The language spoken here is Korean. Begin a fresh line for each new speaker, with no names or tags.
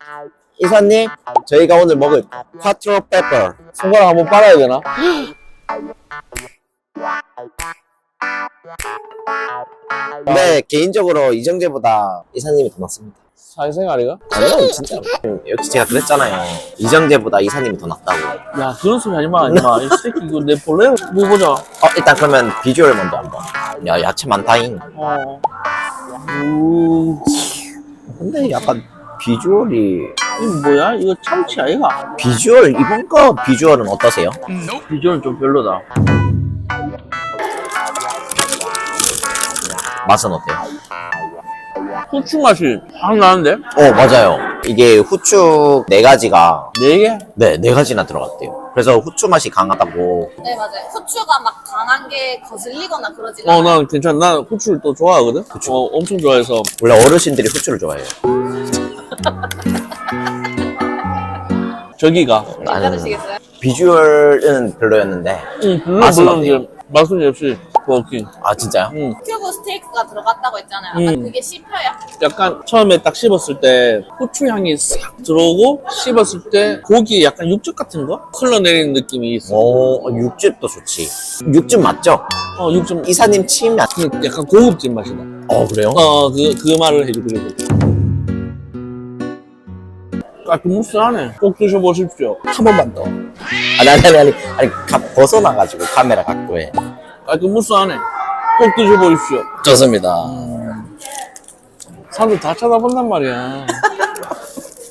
이사님, 저희가 오늘 먹을 콰트로 페퍼
손가락 한번 빨아야 되나?
근데 개인적으로 이정재보다 이사님이 더 낫습니다.
사회생활이가?
아니요, 진짜. 역시 제가 그랬잖아요. 이정재보다 이사님이 더 낫다고.
야, 그런 소리 하지마, 하지마. 이 새끼, 이거 내 볼래? 뭐 보자.
일단 그러면 비주얼 먼저 한번. 야, 야채 많다잉. 근데 약간 비주얼이
이거 뭐야? 이거 참치 아이가?
비주얼 이번 거 비주얼은 어떠세요?
비주얼은 좀 별로다.
맛은 어때요?
후추 맛이 확 나는데?
맞아요. 이게 후추 4가지가
네 개?
네 4가지나 들어갔대요. 그래서 후추 맛이 강하다고.
네, 맞아요. 후추가 막 강한 게 거슬리거나 그러지
난 괜찮아. 난 후추를 또 좋아하거든? 엄청 좋아해서.
원래 어르신들이 후추를 좋아해요.
저기가.
나는
괜찮으시겠어요?
비주얼은 별로였는데. 맛은
물론
어때요?
이제 맛은 역시 버킹.
아 진짜요?
큐브 스테이크가 들어갔다고 했잖아요. 그게 씹혀요?
약간 처음에 딱 씹었을 때 후추 향이 싹 들어오고 씹었을 때 고기에 약간 육즙 같은 거 흘러내리는 느낌이 있어.
육즙도 좋지. 육즙 맞죠?
육즙.
이사님 침
약간 고급진 맛이다.
그래요?
그 말을 해주려고. 깔끔무스하네. 꼭 드셔보십시오. 한 번만 더.
아니 벗어나가지고 카메라 각도에.
깔끔무스하네. 꼭 드셔보십시오.
좋습니다.
사람들 다 쳐다본단 말이야.